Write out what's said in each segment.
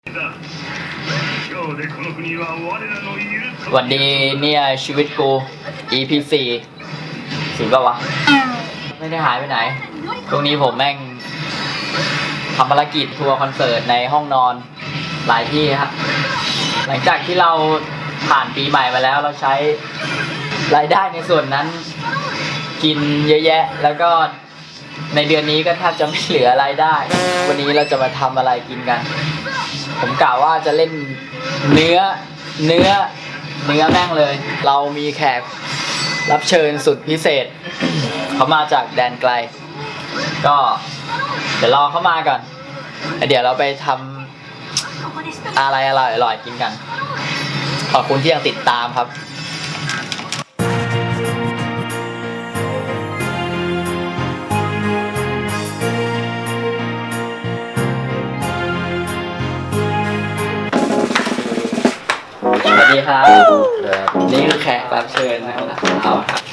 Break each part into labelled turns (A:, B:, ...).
A: วันดีเนี่ยชีวิตกู EP 4สิป่าวะไม่ได้หายไปไหนตรงนี้ผมแม่งทำภารกิจทัวร์คอนเสิร์ตในห้องนอนหลายที่ครับหลังจากที่เราผ่านปีใหม่มาแล้วเราใช้รายได้ในส่วนนั้นกินเยอะแยะแล้วก็ในเดือนนี้ก็แทบจะไม่เหลือรายได้วันนี้เราจะมาทำอะไรกินกันผมกล่าวว่าจะเล่นเนื้อแม่งเลยเรามีแขกรับเชิญสุดพิเศษเขามาจากแดนไกลก็เดี๋ยวรอเขามาก่อนเดี๋ยวเราไปทำอะไรอร่อยๆกินกันขอบคุณที่ยังติดตามครับสวัสดีครับนี่คือแขกรับเชิญนะครับเราครับ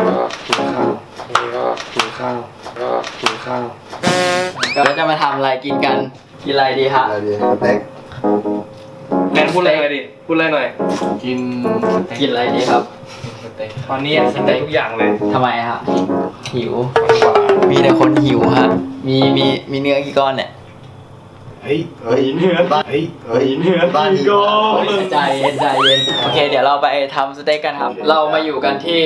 A: ก็จะมาทำอะไรกินกันกินอะไรดีครับ
B: อะไรดีสเต็ก
C: แนนพูดอะไรดิพูดอะไรหน่อย
A: กินอะไรดีครับ
C: ตอนนี้กินได้ทุกอย่างเลย
A: ทำไมครับหิวมีแต่คนหิวฮะมีเนื้อกี่ก้อนเนี่ย
B: เฮ้ยเนื้อบ้านบ้านดีกว่า
A: ใจเย็นโอเคเดี๋ยวเราไปทำสเต็กกันครับเรามาอยู่กันที่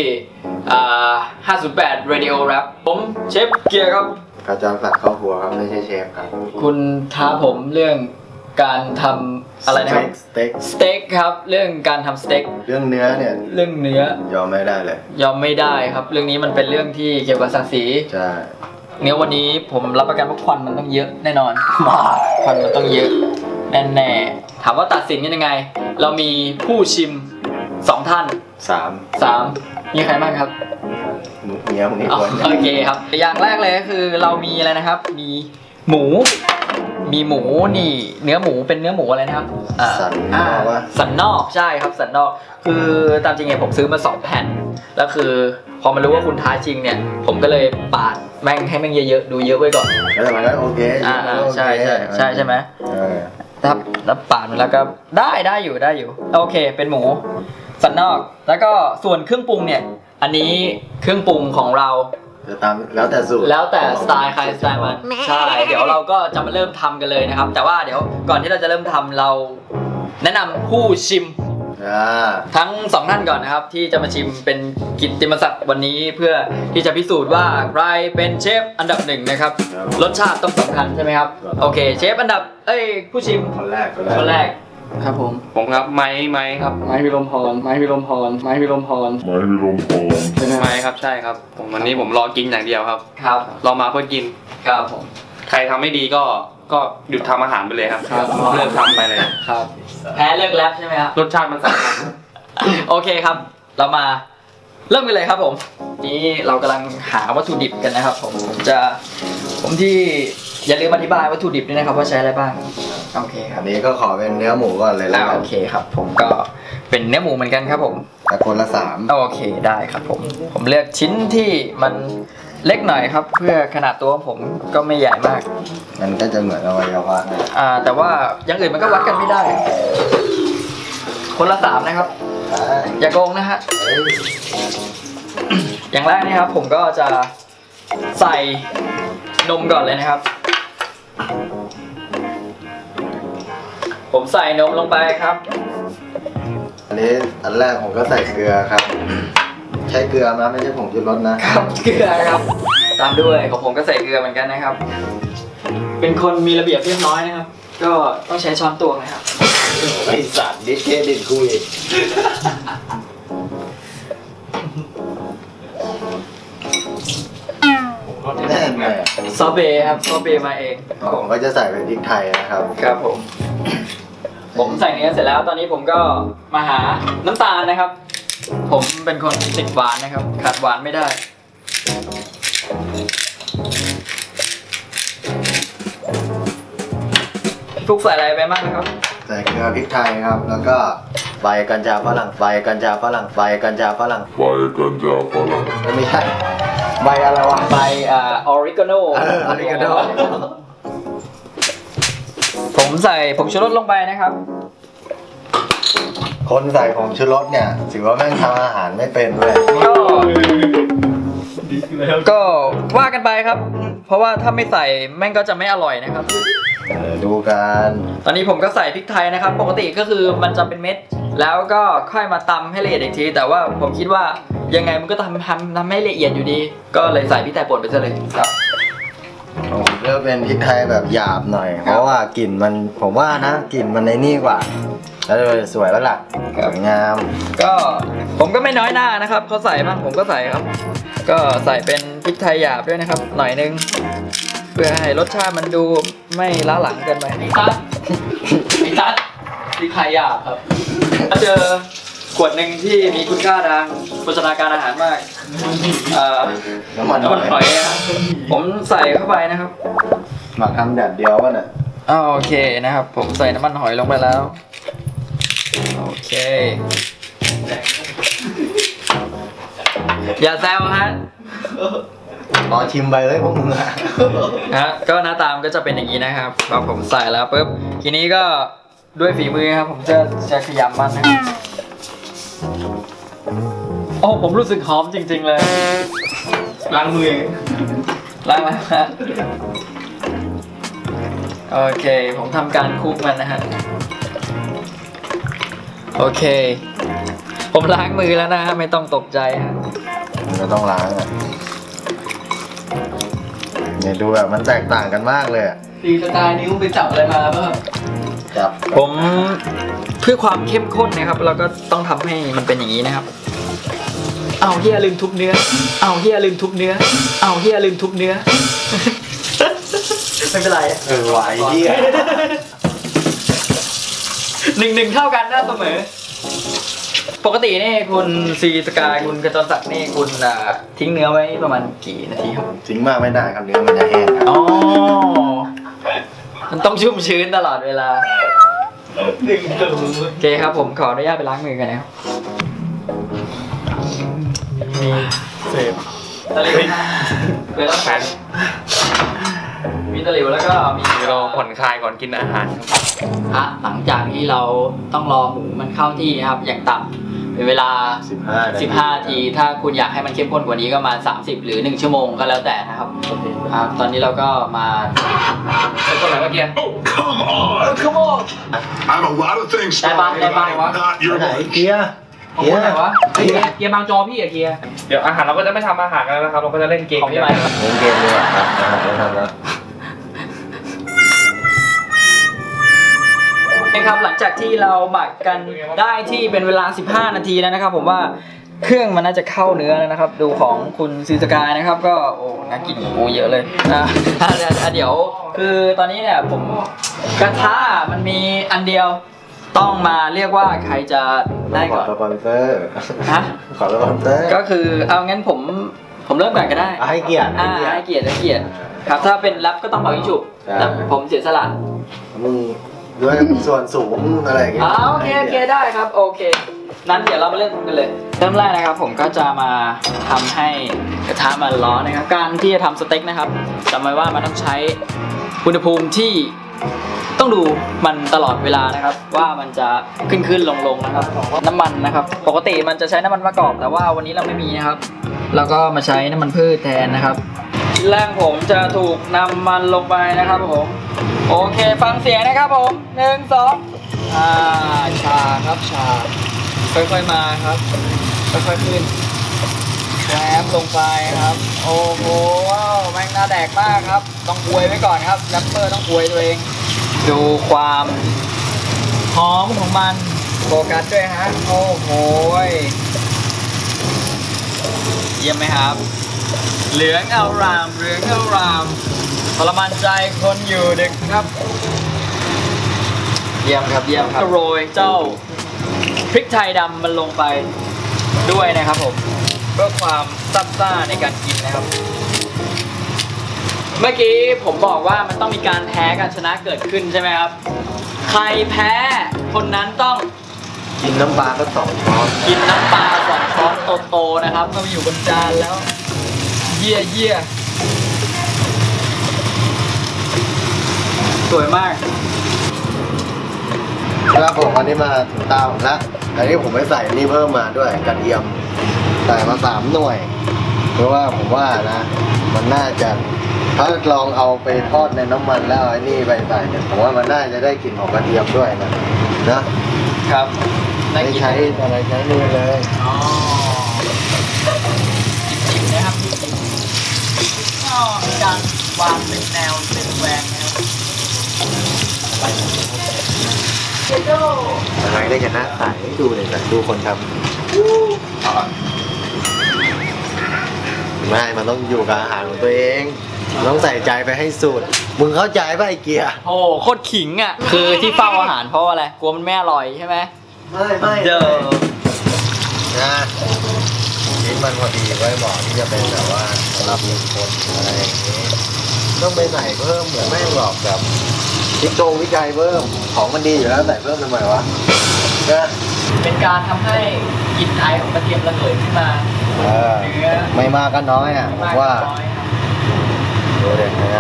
A: 508 Radio Rap ผมเชฟเกียร์ครับ
B: กระจรศักดิ์เข้าครัวครับไม่ใช่เชฟครับ
A: คุณท้าผมเรื่องการทำอะไรนะครับสเต็กครับเรื่องการทำสเต็ก
B: เรื่องเนื้อเนี่ย
A: เรื่องเนื้อย
B: อมไม่ได้เลย
A: ยอมไม่ได้ครับเรื่องนี้มันเป็นเรื่องที่เกี่ยวกับศักดิ์ศรี
B: ใช่
A: เนื้อวันนี้ผมรับประกันว่าควันมันต้องเยอะแน่นอนควันมันต้องเยอะแน่ๆถามว่าตัดสินกันยังไงเรามีผู้ชิม2ท่าน3มีใครบ้างครับ
B: เมียมึงอีกคน
A: โอเคครับอย่างแรกเลยก็คือเรามีอะไรนะครับมีหมูนี่เนื้อหมูเป็นเนื้อหมูอะไรนะครับสันนอกใช่ครับสันนอกคือตามจริงเนี่ยผมซื้อมา2แผ่นแล้วคือพอมารู้ว่าคุณท้าจริงเนี่ยผมก็เลยปาดแม่งให้แม่งเยอะๆดูเยอะไว้ก่อน
B: แล้วมันก็โอเค
A: ใช่ไหมแล้วปาดแล้วก็ได้อยู่โอเคเป็นหมูสันนอกแล้วก็ส่วนเครื่องปรุงเนี่ยอันนี้เครื่องปรุงของเรา
B: แล้วแต่สูตร
A: แล้วแต่สไตล์ใครสไตล์มันใช่เดี๋ยวเราก็จะมาเริ่มทำกันเลยนะครับแต่ว่าเดี๋ยวก่อนที่เราจะเริ่มทำเราแนะนำผู้ชิมทั้ง2ท่านก่อนนะครับที่จะมาชิมเป็นกิตติมศักดิ์วันนี้เพื่อที่จะพิสูจน์ว่าใครเป็นเชฟอันดับ1นะครับรสชาติต้องสำคัญใช่ไหมครับโอเคเชฟอันดับผู้ชิม
B: คนแรก
A: ครับผม
C: ครับไม้ครับ
A: ไม้พิรมพร
C: ไม้ครับใช่ครับผมวันนี้ผมรอกินอย่างเดียวครับรอมาเพื่อกิน
A: ครับผม
C: ใครทำไม่ดีก็หยุดทำอาหารไปเลยครับเลิกทำไปเลย
A: ครับแพ้เลิกแรปใช่ไหมครับ
C: รสชาติมันสำคัญ
A: โอเคครับเรามาเริ่มกันเลยครับผมนี้เรากำลังหาวัตถุดิบกันนะครับผมที่อย่าลืมอธิบายวัตถุดิบด้วยนะครับว่าใช้อะไรบ้างโอเคครับ
B: อันนี้ก็ขอเป็นเนื้อหมูก่อนเลยแล้ว
A: โอเคครับผมก็เป็นเนื้อหมูเหมือนกันครับผม
B: แต่คนละ3
A: โอเคได้ครับผมเลือกชิ้นที่มันเล็กหน่อยครับเพื่อขนาดตัวผมก็ไม่ใหญ่มาก
B: มันก็จะเหมือนอวัยวะ
A: แต่ว่าอย่างอื่นมันก็วัดกันไม่ได้คนละ3นะครับอย่าโกงนะฮะอย่างแรกนี่ครับผมก็จะใส่นมก่อนเลยนะครับผมใส่นมลงไปครับ
B: อันแรกผมก็ใส่เกลือครับใช้เกลือนะไม่ใช่ผงชูรส
A: นะครับเกลือครับตามด้วยของผมก็ใส่เกลือเหมือนกันนะครับเป็นคนมีระเบียบเรียบร้อยนะครับก็ต้องใช้ช้อนตวงนะครับ
B: ไอ้สัตว์ดิเครดิตคุยแน่นเลย
A: ซอเบครับซอเบมาเอง
B: ผมก็จะใส่เป็นพริกไทยนะครับ
A: ครับผมใส่เนื้อเสร็จแล้วตอนนี้ผมก็มาหาน้ำตาลนะครับผมเป็นคนติดหวานนะครับขาดหวานไม่ได้ฟุกใส่อะไรไปบ้างนะครับ
B: ใส่เกลือพริกไทยครับแล้วก็ใบกัญชาฝรั่งไม่ใช่ใบอะไรวะ
A: ใบออริกาโนผมใส่ผงชูรสลงไปนะครับ
B: คนใส่ผงชูรสเนี่ยถือว่าแม่งทำอาหารไม่เป็นเลย
A: ก็ว่ากันไปครับ เพราะว่าถ้าไม่ใส่แม่งก็จะไม่อร่อยนะครับ
B: ดูกัน
A: ตอนนี้ผมก็ใส่พริกไทยนะครับ ปกติก็คือมันจะเป็นเม็ด แล้วก็ค่อยมาตำให้ละเอียดอีกที แต่ว่าผมคิดว่ายังไงมันก็ทำให้ละเอียดอยู่ดี ก็เลยใส่พริกไทยป่นไปซะเลยครับ
B: ผมเลือกเป็นพริกไทยแบบหยาบหน่อย เพราะว่ากลิ่นมันผมว่านะกลิ่นมันในนี่กว่า แล้วเลยสวยแล้วล่ะสวยงาม
A: ก็ผมก็ไม่น้อยหน้านะครับเขาใส่บ้างผมก็ใส่ครับ ก็ใส่เป็นพริกไทยหยาบด้วยนะครับ หน่อยนึง เพื่อให้รสชาติมันดูไม่ล้าหลังเกินไปไอ้ตัดพริกไทยหยาบครับถ้าเจอขวดหนึ่งที่มีคุณค่าทางโภชนาการอาหารมาก
B: น้ำมัน
A: น้ำมันหอยครับผมใส่เข้าไปนะครับ
B: หมักทำแดดเดียววะเนี่ย
A: โอเคนะครับ ผมใส่น้ำมันหอยลงไปแล้วโอเคอย่าแซวฮะ
B: รอชิมไปเลยพวกมึงอะ
A: ก็หน้าตามนก็จะเป็นอย่างนี้นะครับพอผมใส่แล้วปุ๊บทีนี้ก็ด้วยฝีมือครับผมจะขยำมันนะครับโอ้ผมรู้สึกหอมจริงๆเลยล้างมือล้างแล้วฮะโอเคผมทำการคลุกมันนะฮะโอเคผมล้างมือแล้วนะฮะไม่ต้องตกใจฮะ
B: มันก็ต้องล้างอ่ะเนี่ยดูแบบมันแตกต่างกันมากเลยอะ
A: ตีสไตล์นิ้วไปจับอะไรมาป่ะครับ
B: จับ
A: ผมเพื่อความเข้มข้นนะครับเราก็ต้องทำให้มันเป็นอย่างนี้นะครับเอาเฮียลืมทุบเนื้อเอาเฮียลืมทุบเนื้อเอาเฮียลืมทุบเนื้อ ไม่เป็นไร
B: ไหวเหี้ย
A: 1-1เท่ากันนะเสมอปกตินี่คุณซีสกายคุณกระจรศักดิ์นี่คุณทิ้งเนื้อไว้ประมาณกี่นาทีครับ
B: ทิ้งมากไม่ได้ครับเนื้อมันจะแห้งครับ
A: อ๋อมันต้องชุ่มชื้นตลอดเวลาโอเคครับผมขออนุญาตไปล้างมือกันนะครับมีเสพตะหลิวเป็นแล้วแขนมีตะหลิวแล้วก็มี
C: เราผ่อนคลายก่อนกินอาหารครับ
A: หลังจากที่เราต้องรอหมูมันเข้าที่นะครับอย่างต่ำเป็นเวลา 15 นาทีถ้าคุณอยากให้มันเข้มข้นกว่านี้ก็มา30 หรือ 1 ชั่วโมงก็แล้วแต่นะครับตอนนี้เราก็มาเป็นคนไหนเมื่อกี้
D: Come on! I'm a lot of things,
A: Bye bye, bye bye.
D: not your
B: ไหน
D: wife.
B: เกียร์
A: ของคุณไหนวะเกียร์บางจอพี่อะเกียร์
C: เดี๋ยวอาหารเราก็จะไม่ทำอาหารกันแล้วนะครับ เราก็จะเล่นเกม
A: ของพี่ไหม
B: เล่นเกมดีกว่าครับไม่ทำแล้ว
A: นะครับหลังจากที่เราหมักกันได้ที่เป็นเวลา15 นาทีแล้วนะครับผมว่าเครื่องมันน่าจะเข้าเนื้อแล้วนะครับ ดูของคุณซีสกายนะครับก็โอ้น่ากินโอ้เยอะเลยเดี๋ยวคือตอนนี้เนี่ยผมกระทะมันมีอันเดียวต้องมาเรียกว่าใครจะได้
B: ข
A: ก่
B: อ
A: อน
B: สปอนเซอร์
A: ฮะ
B: ขอสปอนเซอร์
A: ก็คือเอางั้นผมเริ่มก่อนก็ได้
B: ให้เกียรติ
A: ให้เกียรติครับถ้าเป็นแรปก็ต้องเป่ายิงฉุบแต่ผมเสียสละ
B: มึงด้วยส่วนสูงอะไรอย่างเงี้ย
A: โอเคได้ครับโอเคนั้นเดี๋ยวเรามาเริ่มกันเลยเริ่มแรกนะครับผมก็จะมาทำให้กระทะมันร้อนนะครับการที่จะทำสเต็กนะครับจำไว้ว่ามันต้องใช้อุณหภูมิที่ต้องดูมันตลอดเวลานะครับว่ามันจะขึ้นลงนะครับน้ำมันนะครับปกติมันจะใช้น้ำมันมะกอกแต่ว่าวันนี้เราไม่มีนะครับแล้วก็มาใช้น้ำมันพืชแทนนะครับชิ้นแรกผมจะถูกนำมันลงไปนะครับผมโอเคฟังเสียงนะครับผม1 2ชาครับชาค่อยๆมาครับค่อยๆขึ้นแรปลงไปครับโอ้โหแม่งน่าแดกมากครับต้องอวยไว้ก่อนครับแรปเปอร์ต้องอวยตัวเองดูความหอมของมันโฟกัสด้วยฮะโอ้โหเยี่ยมไหมครับเหลืองอารามทรมานใจคนอยู่ดึกครับเยี่ยมครับก็โรยเจ้าพริกไทยดำมันลงไปด้วยนะครับผมเพื่อความซับซ่าในการกินนะครับ เมื่อกี้ผมบอกว่ามันต้องมีการแพ้การชนะเกิดขึ้นใช่ไหมครับใครแพ้คนนั้นต้อง
B: กินน้ำปลาก็2 ช้อน
A: กินน้ำปลา2 ช้อนโตๆนะครับเมื่อมาอยู่บนจานแล้วเยี่ยสวยมาก
B: ครับผมวันนี้มาถึงตาผมแล้วอันนี้ผมไม่ใส่นี่เพิ่มมาด้วยกระเทียมใส่มา3 หน่วย เพราะว่าผมว่านะมันน่าจะถ้าลองเอาไปทอดในน้ำมันแล้วไอ้นี่ไปใส่เนี่ยผมว่ามันน่าจะได้กลิ่นของกระเทียมด้วยนะครับ
A: น่า
B: ไม่
A: กิน
B: ใช้อะไรใช้มือเลย
A: อ๋อจิบๆนะครับจิบๆก็มีการวางเป็นแนวเป็นแหวงนะครับเจโด
B: ทำไมได้กันหน้าใสดูเลยนะดูคนทำไม่มันต้องอยู่กับอาหารของตัวเองต้องใส่ใจไปให้สุดมึงเข้าใจป่ะไอ้เกียร์
A: โอ้โคตรขิงอ่ะ คือที่เฝ้าอาหารเพราะอะไร กลัวมันไม่อร่อยใช่ไหม
B: ไม่
A: เด้อ
B: นะชิ้นมันพอดีไว้เหมาะที่จะเป็นแบบว่าสำหรับหนึ่งคนอะไรอย่างนี้ต้องไปใส่เพิ่มเหมือนไม่หรอกแบบวิจัยเพิ่มของมันดีอยู่แล้วใส่เพิ่มทำไมวะนะ
A: เป็นการทำให้กลิ่นไอของกระเทียมระเหยขึ้นมา
B: เออ
A: เนื้อ
B: ไม่มากก็น้อยอ่ะผมว่า
A: น้อยครับ
B: ดูเด็กนะ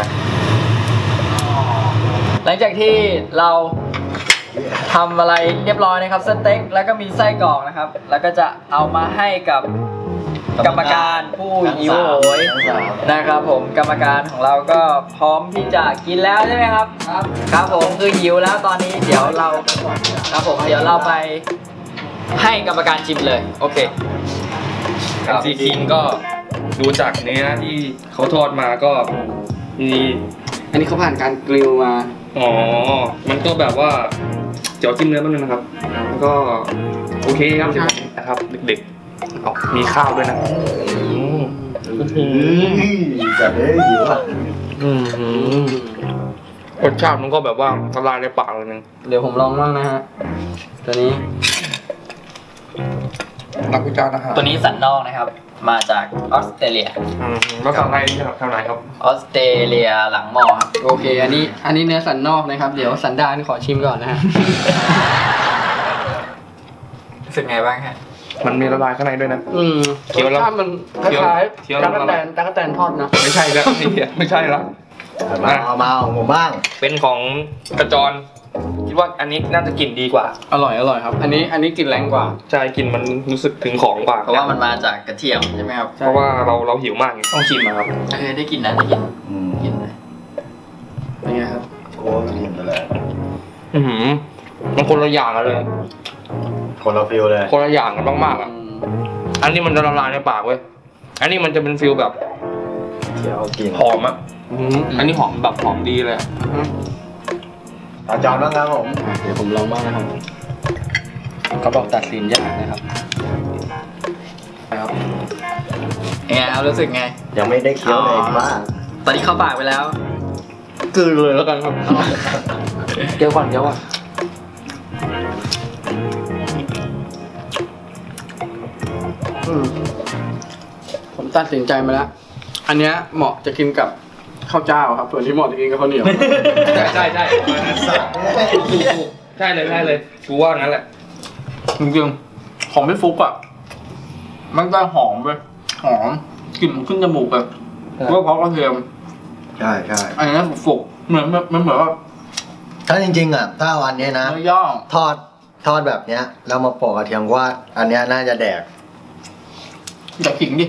A: หลังจากที่เราทำอะไรเรียบร้อยนะครับสเต็กแล้วก็มีไส้กรอกนะครับ แล้วก็จะเอามาให้กับกรรมการผู้หิวโหยนะครับผมกรรมการของเราก็พร้อมที่จะกินแล้วใช่ไหมครับครับผมคือหิวแล้วตอนนี้เดี๋ยวเราครับผมเดี๋ยวเราไปให้กรรมการชิมเลยโอเค
C: ซีคิงก็ดูจากเนื้อที่เขาทอดมาก็มี
E: อันนี้เขาผ่านการกริลมา
C: อ๋อมันก็แบบว่าเดี๋ยวจิ้มเนื้อแป๊บนึงนะครับแล้วก็โอเคครับเดี๋ยวผมนะครับเด็กๆเอามีข้าวด้วยนะ
B: จัดเลยหิวอ่ะ
C: รสชาติมันก็แบบว่าละลายในปากเลยนึง
E: เดี๋ยวผมลองบ้างนะฮะ ตัวนี้
C: นักวิจารณ์อาหาร
A: ตัวนี้สันนอกนะครับมาจากออสเตรเลีย
C: ภาษาไทยทางไหนครับ
A: ออสเตรเลียหลังหม้อครับ
E: โอเค อันนี้เนื้อสันนอกนะครับ เดี๋ยวสันดานขอชิมก่อนนะฮะ
A: รู้สึกไงบ้างฮะ
C: มันมีละลายข้างในด้วยนะ เคี้ยวแล้ว
E: รสชาติมันค
C: เคี้ยว
E: ล้าย
C: เคี้ยว
E: ๆ
C: แล้
E: ตะ
C: ว
E: กั่ตะกั่แตนทอดนะ
C: ไม่ใช่แล้วไม่ใช่แล้ว
B: มาของผมบ้าง
C: เป็นของกระจรคิดว่าอันนี้น่าจะกลิ่นดีกว่า
E: อร่อยครับ อันนี้กลิ่นแรงกว่า
C: ใช่กลิ่นมันรู้สึกถึงของกว่า
A: เพราะว่ามันมาจากกระเทียมใช่ไหมครับ
C: เพราะว่าเราหิวมากไงต้องชิมอะครับ
A: ได้กินนะได้กิน
B: อืม
A: กินเลย
E: เป็นไงครับ
B: โอ้กินไปเลย
C: มันคนละอย่างกันเลย
B: คนละฟิลเลย
C: คนละอย่างกันมากๆอ่ะอันนี้มันจะละลายในปากเว้ยอันนี้มันจะเป็นฟิลแบบ
B: เคี้ยวกิน
C: หอมอ่ะอันนี้หอมแบบหอมดีเลยอะ
B: อาจารย์บ้างครับผม
E: เดี๋ยวผมลองบ้างนะครับเขาบอกตัดสินยากนะครับ
A: ยังไงครับรู้สึกไง
B: ยังไม่ได้เคี้ยวเลยว่า
A: ตอนนี้เข้าปากไปแล้ว
E: กลืนเลยแล้วกันครับ เดี๋ยวก่อนผมตัดสินใจมาแล้ว อันเนี้ยเหมาะจะกินกับข้าวเจ้าครับ ส่วนที่เหมาะจะกินกับข้าวเหนียว
C: ใช่ใช่ใช่ใช่เลยกูว่างั้นแหละ
E: จริงๆของพี่ฟุกอ่ะ มันได้หอมเลยหอมกลิ่นขึ้นจมูกแบบเพราะกระเทียม
B: ใช่
E: อันนี้ฟุกๆเหมือนว่า
B: ถ้าจริงๆอ่ะถ้าวันนี้นะ
E: เนื้อย่าง
B: ทอดแบบเนี้ยแล้วมาโปะกระเทียมว่าอันเนี้ยน่าจะแดก
E: อย่าขิงดิ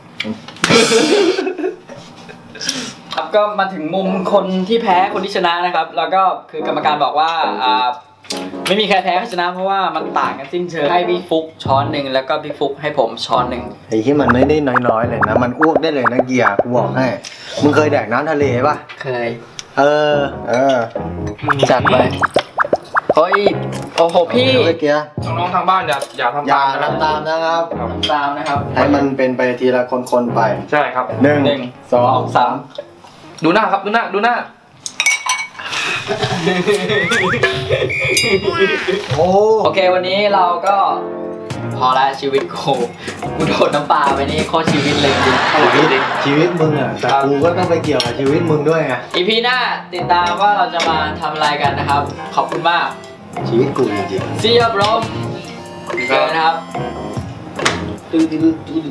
A: ครับก็มาถึงมุมคนที่แพ้คนที่ชนะนะครับ แล้วก็คือกรรมการบอกว่าไม่มีใครแพ้ใครชนะเพราะว่ามันต่างกันสิ้นเชิงให้พี่ฟุกช้อนหนึ่งแล้วก็พี่ฟุกให้ผมช้อนหนึ่ง
B: ไอ้ที่มันไม่ได้น้อยๆเลยนะมันอ้วกได้เลยนะเกียร์กูบอกให้มึงเคยแดกน้ำทะเลป่ะ
A: เคย
B: เออ
A: จัดไปโอ้ยโอ้โหพี่
B: เดี๋ยวไอ้เกียร์
C: น้องๆทางบ้านอย่าทำ
B: อย่า
C: ตามนะ
B: ทำตามนะครับ
A: ตามนะครับ
B: ให้มันเป็นไปทีละคนๆไป
C: ใช่ครับ
B: หนึ่ง
A: หนึ่ง
B: สองสาม
C: ดูหน้าครับดูหน้า
B: โอ้
A: โอเควันนี้เราก็พอละชีวิตกูโดนน้ำปลาไปนี่โคตรชีวิตเลยจริง
B: ชีวิตมึงอ่ะแต่กูก็ต้องไปเกี่ยวกับชีวิตมึงด้วยไง
A: อีพีหน้าติดตามว่าเราจะมาทำอะไรกันนะครับ ขอบคุณมาก
B: ชีวิตกูจริง
A: See you bro เจอกันนะครับ
B: ๆ